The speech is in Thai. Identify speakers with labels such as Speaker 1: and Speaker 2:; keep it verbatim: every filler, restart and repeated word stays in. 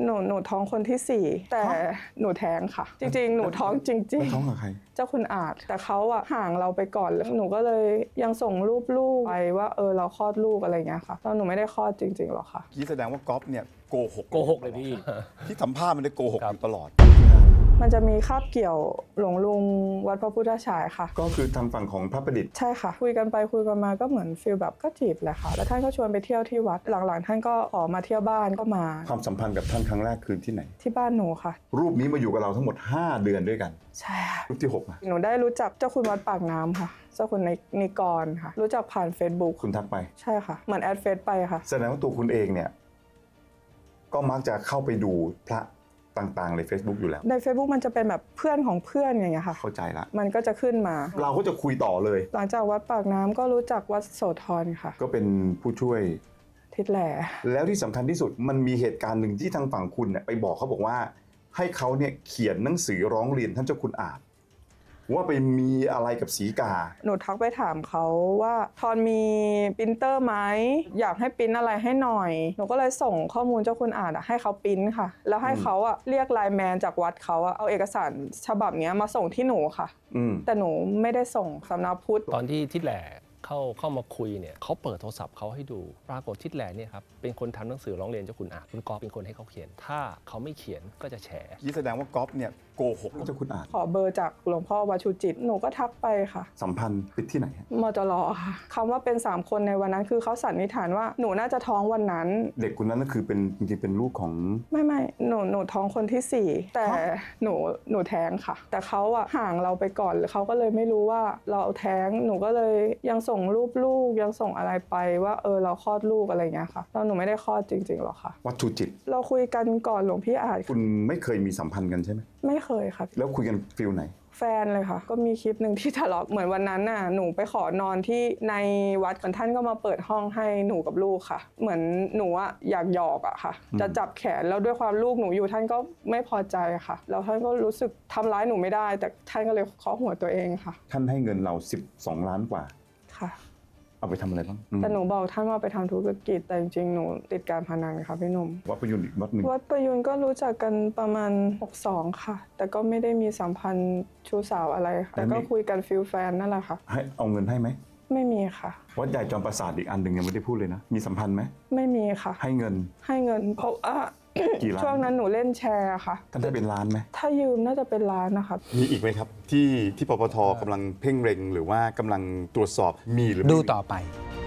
Speaker 1: หนูหนูท้องคนที่สี่แต่หนูแท้งค่ะจริงๆหนูท้องจริงๆ
Speaker 2: ท้องกับใคร
Speaker 1: เจ้าคุณอาจแต่เขาอะห่างเราไปก่อนหนูก็เลยยังส่งรูปลูกไปว่าเออเราคลอดลูกอะไรเงี้ยค่ะแล้วหนูไม่ได้คลอดจริงๆหรอกค่ะ
Speaker 2: กี้แสดงว่าก๊อฟเนี่ยโกหก
Speaker 3: โกหกเลยพี่
Speaker 2: ที่สัมภาษณ์มันได้โกหกอยู่ตลอด
Speaker 1: มันจะมีคาบเกี่ยวหลวงลุงวัดพระพุทธฉายค่ะ
Speaker 2: ก็คือทางฝั่งของพระประดิษฐ์
Speaker 1: ใช่ค่ะคุยกันไปคุยกันมาก็เหมือนฟีลแบบก็จีบแหละค่ะแล้วท่านก็ชวนไปเที่ยวที่วัดหลังๆท่านก็ขอมาเที่ยวบ้านก็มา
Speaker 2: ความสัมพันธ์กับท่านครั้งแรกคือที่ไหน
Speaker 1: ที่บ้านหนูค่ะ
Speaker 2: รูปนี้มาอยู่กับเราทั้งหมดห้าเดือนด้วยกัน
Speaker 1: ใช่ค่ะ
Speaker 2: รูปที่หกนะ
Speaker 1: หนูได้รู้จักเจ้าคุณวัดปากน้ำค่ะเจ้าคุณนิกรค่ะรู้จักผ่าน Facebook
Speaker 2: คุณทักไป
Speaker 1: ใช่ค่ะเหมือนแอดเฟซไปค่ะ
Speaker 2: แสดงว่าตัวคุณเองเนี่ยก็มักจะเข้าไปดูพระต่างๆใน Facebook อยู่แล้ว
Speaker 1: ใน Facebook มันจะเป็นแบบเพื่อนของเพื่อนอย่างเงี้ยค่ะ
Speaker 2: เข้าใจละ
Speaker 1: มันก็จะขึ้นมา
Speaker 2: เราก็จะคุยต่อเลย
Speaker 1: หลังจากวัดปากน้ำก็รู้จักวัดโสธรค่ะ
Speaker 2: ก็เป็นผู้ช่วย
Speaker 1: ทิศแหล่
Speaker 2: แล้วที่สำคัญที่สุดมันมีเหตุการณ์หนึ่งที่ทางฝั่งคุณเนี่ยไปบอกเขาบอกว่าให้เขาเนี่ยเขียนหนังสือร้องเรียนท่านเจ้าคุณอาจว่าไปมีอะไรกับศรีกา
Speaker 1: หนูทักไปถามเขาว่าทอนมีปรินเตอร์ไหมอยากให้ปริ้นอะไรให้หน่อยหนูก็เลยส่งข้อมูลเจ้าคุณอาจให้เขาปริ้นค่ะแล้วให้เขาอะเรียกไลน์แมนจากวัดเขาอะเอาเอกสารฉบับนี้มาส่งที่หนูค่ะแต่หนูไม่ได้ส่งสำนักพุทธ
Speaker 3: ตอนที่ทิศแหล่เข้าเข้ามาคุยเนี่ยเขาเปิดโทรศัพท์เขาให้ดูปรากฏทิศแหล่เนี่ยครับเป็นคนทำหนังสือร้องเรียนเจ้าคุณอาจคุณก๊อฟเป็นคนให้เขาเขียนถ้าเขาไม่เขียนก็จะแฉ
Speaker 2: ยี่แสดงว่าก๊อฟเนี่ยโกหกเจ้าคุณอาจ
Speaker 1: ขอเบอร์จากหลวงพ่อวัชูจิตหนูก็ทักไปค่ะ
Speaker 2: สัมพันธ์ปิดที่ไหน
Speaker 1: มจรค่ะคำว่าเป็นสามคนในวันนั้นคือเขาสันนิษฐานว่าหนูน่าจะท้องวันนั้น
Speaker 2: เด็กคนนั้นก็คือเป็นจริงๆเป็นลูกของ
Speaker 1: ไม่ไม่หนูหนูท้องคนที่สี่แต่หนูหนูแท้งค่ะแต่เขาอะห่างเราไปก่อนเขาก็เลยไม่รู้ว่าเราแท้งหนูก็เลยยังส่งรูปลูกยังส่งอะไรไปว่าเออเราคลอดลูกอะไรเงี้ยค่ะแล้วหนูไม่ได้คลอดจริงๆหรอกค่ะ
Speaker 2: วัดชูจิต
Speaker 1: เราคุยกันก่อนหลวงพี่อาจ
Speaker 2: คุณไม่เคยมีสัมพันธ์กันใช่ไหม
Speaker 1: ไม่เคยค่ะ
Speaker 2: แล้วคุยกันฟิลไหน
Speaker 1: แฟนเลยค่ะก็มีคลิปหนึ่งที่ทะเลาะเหมือนวันนั้นน่ะหนูไปขอนอนที่ในวัดกันท่านก็มาเปิดห้องให้หนูกับลูกค่ะเหมือนหนูอะอยากหยอกอะค่ะจะจับแขนแล้วด้วยความลูกหนูอยู่ท่านก็ไม่พอใจค่ะแล้วท่านก็รู้สึกทำร้ายหนูไม่ได้แต่ท่านก็เลยเคาะหัวตัวเองค่ะ
Speaker 2: ท่านให้เงินเราสิบสองล้านกว่า
Speaker 1: ค่ะ
Speaker 2: เอาไปทำอะไรบ้าง
Speaker 1: แต่หนูบอกท่านว่าไปทำธุรกิจแต่จริงๆหนูติดการพนันค่ะพี่หนุ่ม
Speaker 2: วัดประยุนอีกวัดหนึ่ง
Speaker 1: วัดประยุนก็รู้จักกันประมาณหกสองค่ะแต่ก็ไม่ได้มีสัมพันธ์ชู้สาวอะไรแต่ก็คุยกันฟิลแฟนนั่นแหละค่ะ
Speaker 2: ให้เอาเงินให้ไหม
Speaker 1: ไม่มีค่ะ
Speaker 2: วัดใหญ่จอมปราสาทอีกอันหนึ่งยังไม่ได้พูดเลยนะมีสัมพันธ์ไหม
Speaker 1: ไม่มีค่ะ
Speaker 2: ให้เงิน
Speaker 1: ให้เงินเพราะว่าช่วงนั้นหนูเล่นแชร์ค่ะ
Speaker 2: ท่านได้เป็นล้านไหม
Speaker 1: ถ้ายืมน่าจะเป็นล้านนะคะ
Speaker 2: มีอีกไหมครับที่ที่ปปทกำลังเพ่งเร็งหรือว่ากำลังตรวจสอบมีหรือ
Speaker 4: ดูต่อไป